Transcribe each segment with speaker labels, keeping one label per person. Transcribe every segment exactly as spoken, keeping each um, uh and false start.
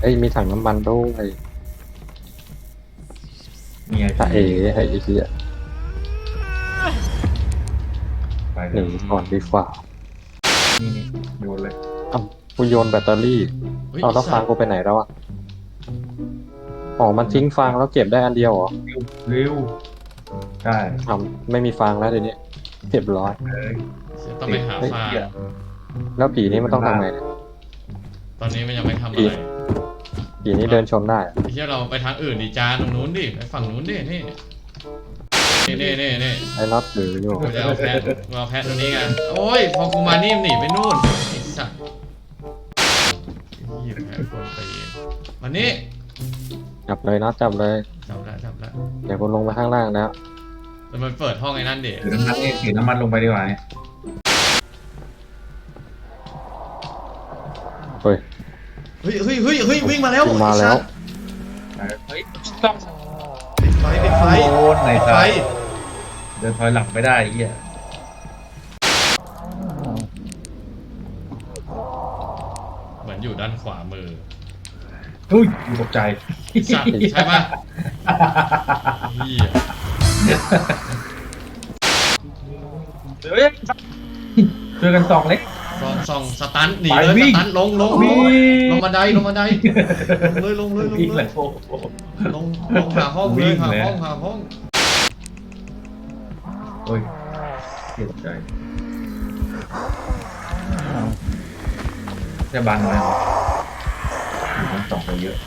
Speaker 1: เอ้ยมีถังน้ำมันด้วย
Speaker 2: มีไง
Speaker 1: ถ้าเอ๋ไอ้เหี้ย
Speaker 2: ไป
Speaker 1: ห
Speaker 2: เล
Speaker 1: นี
Speaker 2: ย
Speaker 1: ก่อนดีกว่า
Speaker 2: นี่นี่โยนเลย
Speaker 1: อ้าวกูโยนแบตเตอรี่
Speaker 3: เฮ้ย
Speaker 1: เอาแล้วฟางกูไปไหนแล้วอ่ะอ๋อมันทิ้งฟางแล้วเก็บได้อันเดียวเหรอ
Speaker 2: เร็วเร็วได้
Speaker 1: อ้าวไม่มีฟางแล้วเดี๋ยวนี้เรียบร้อย
Speaker 2: เลย
Speaker 3: ต้องไปหาฟาง
Speaker 1: แล้วผีนี้มันต้องทำไงเนี่ย
Speaker 3: ตอนนี้มันยังไม่ทำอะไร
Speaker 1: ผีนี้เดินชนได้อะ
Speaker 3: ไอ้เหี้ยเราไปทางอื่นดิจานตรงนู้นดิไปฝั่งนู้นดินี่นี่นี่นี่นี่
Speaker 1: ไอ้น็อตถืออยู่
Speaker 3: กูจะเอาแพะกูเอาแพะตัวนี้ไงโอ้ยพอกูมานี่มันหนีไปนู่นไอ้สัตว์ยี่แพะคนไปเองมานี่
Speaker 1: จับเลยน็อตจับเลย
Speaker 3: จับแล้วจับแล้ว
Speaker 1: เดี๋ยวกูลงไปข้างล่างแล้ว
Speaker 3: แต่มันเปิดห้องไอ้นั่นเด็
Speaker 2: ถือน้ำมันนี่ถือน้ำมันลงไปดีกว่าเนี่ย
Speaker 1: เฮ้ย
Speaker 3: เฮ้ยเฮ้ยเฮ้ยเฮ้ยวิ่งมาแล้ว
Speaker 1: วิ่งมาแล้ว
Speaker 2: เฮ้ยต้อง
Speaker 3: ปิดไฟปิดไฟ
Speaker 2: โดนไหน
Speaker 3: ปิด
Speaker 2: ไฟ
Speaker 3: ไฟ
Speaker 2: เดินถอยหลังไม่ได้ไอ้เหี้ย
Speaker 3: เหมือนอยู่ด้านขวามือ
Speaker 2: เฮ้ยตกใจ
Speaker 3: สัตว์ใช่ปะเหี้ย
Speaker 2: เฮ้ยช่วยกันส่องเล็ก
Speaker 3: ซองซองสตันหนี
Speaker 2: ไป
Speaker 3: เลย
Speaker 2: วิ่
Speaker 3: ส
Speaker 2: ง
Speaker 3: ตันลงลงล
Speaker 2: วิ่
Speaker 3: ง
Speaker 2: ง
Speaker 3: ลงบันไดลงบันไดลงเลยลงเลยลง
Speaker 2: วิ่ง
Speaker 3: เล
Speaker 2: เลย ยโอ้โห
Speaker 3: ลงลงหาห้อง
Speaker 2: วิ่
Speaker 3: เลย
Speaker 2: ง
Speaker 3: หา
Speaker 2: เลย
Speaker 3: ห้องหาห้อง
Speaker 2: เฮ้ยเสียใจจะบังเลยมันส่องไปเยอะ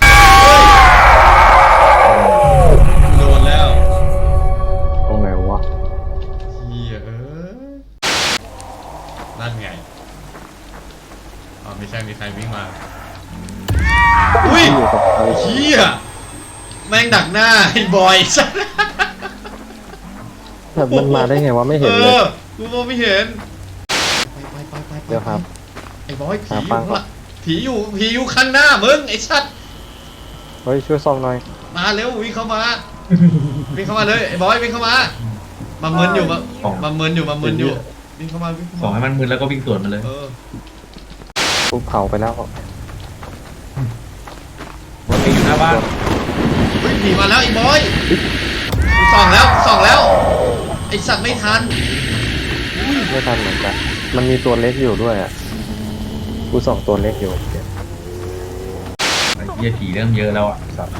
Speaker 3: โดนแล้ว
Speaker 1: ตรงไหนวะ
Speaker 3: เฮียเอ้ยนั่นไงอ๋อไม่ใช่มีใครวิ่งมาอุ้ย
Speaker 1: อยู่กับใคร
Speaker 3: เฮียแม่งดักหน้าไอ้บอยสัส
Speaker 1: แบบมันมาได้ไงวะไม่เห็น
Speaker 3: เอ
Speaker 1: เลย
Speaker 3: อกูมองไม่เห็นไปไปไปไป
Speaker 1: เดี๋ยวครับ
Speaker 3: ไอ้บอยผี
Speaker 1: หา
Speaker 3: อยู่
Speaker 1: ฟัง
Speaker 3: ข้าง
Speaker 1: ก่
Speaker 3: ห
Speaker 1: อน
Speaker 3: ลังผีอยู่ผีอยู่ข้างหน้ามึงไอ้สัตว์
Speaker 1: เฮ้ยช่วยซ่อมหน่อย
Speaker 3: มาเร็ววิ่งเข้ามาวิ่งเข้ามาเลยไอ้บอยวิ่งเข้ามามาเมินอยู่มามาเมินอยู่มาเมินอยู่วิ่งเข้ามาวิ่งเข้า
Speaker 2: ส่อง
Speaker 3: มา
Speaker 2: ให้มันมึนแล้วก็วิ่งสวนมันเลย
Speaker 3: เออ
Speaker 1: กูเผาไปแล้ว
Speaker 2: มันมีอยู่หน้าบ้าน
Speaker 3: เฮ้ยผีมาแล้วไอ้บอยกูส่องแล้วกูส่องแล้วไอ้สัตว์ไม่ทัน
Speaker 1: ไม่ทันเหมือนกันมันมีตัวเล็กอยู่ด้วยอ่ะกูส่องตัวเล็กอยู่
Speaker 2: ไอ้เหี้ยผีเริ่มเยอะแล้วอ่ะสัตว์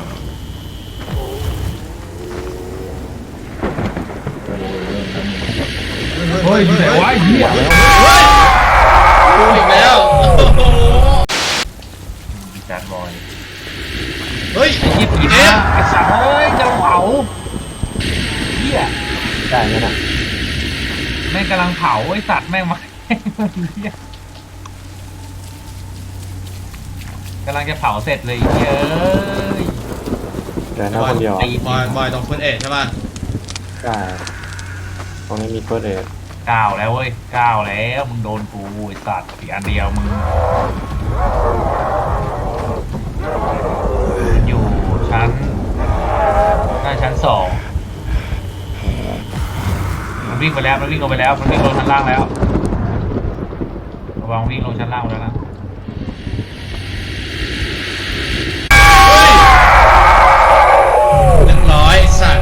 Speaker 2: เฮ้ยอยู่ไหนวะไอ้เหี้ย
Speaker 3: เฮ้ยดูอีกแล้วโอ้โห
Speaker 2: จานบอย
Speaker 3: เฮ้ย
Speaker 2: ไอ้เหี้ยผี
Speaker 3: เอ๊ะ
Speaker 2: นะไอ้สัตว์เอ้ยจะเผาเหี้ย
Speaker 1: ได้ไหมน่ะ
Speaker 2: แม่งกำลังเผาไอ้สัตว์แม่งมาเหี้ยกำลังจะเผาเสร็จเลยไอ้เหี้ยเอ้ย
Speaker 1: เดี๋ยวนะคนเดียว
Speaker 2: ตี
Speaker 3: บอยบอยต้องเฟิร์สเอ็ดใช่ป่ะ
Speaker 1: ได้ตรงนี้มีเฟิร์สเอด
Speaker 2: ก้าวแล้วเว้ยก้าวแล้วมึงโดนกูไอ้สัตว์อีกอันเดียวมึงอยู่ชั้นหน้าชั้นสองมันวิ่งไปแล้วมันวิ่งลงไปแล้วมันวิ่งลงชั้นล่างแล้วระวังวิ่งลงชั้นล่างแล้วนะ
Speaker 3: เรียบร้อยไอ้สัตว์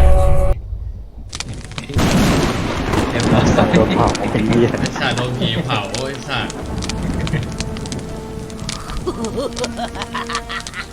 Speaker 2: เรียบร้อย
Speaker 1: โดนเผาไอ้เหี้ย
Speaker 3: ไอ้สัตว์โดนผีเผาไอ้สัตว์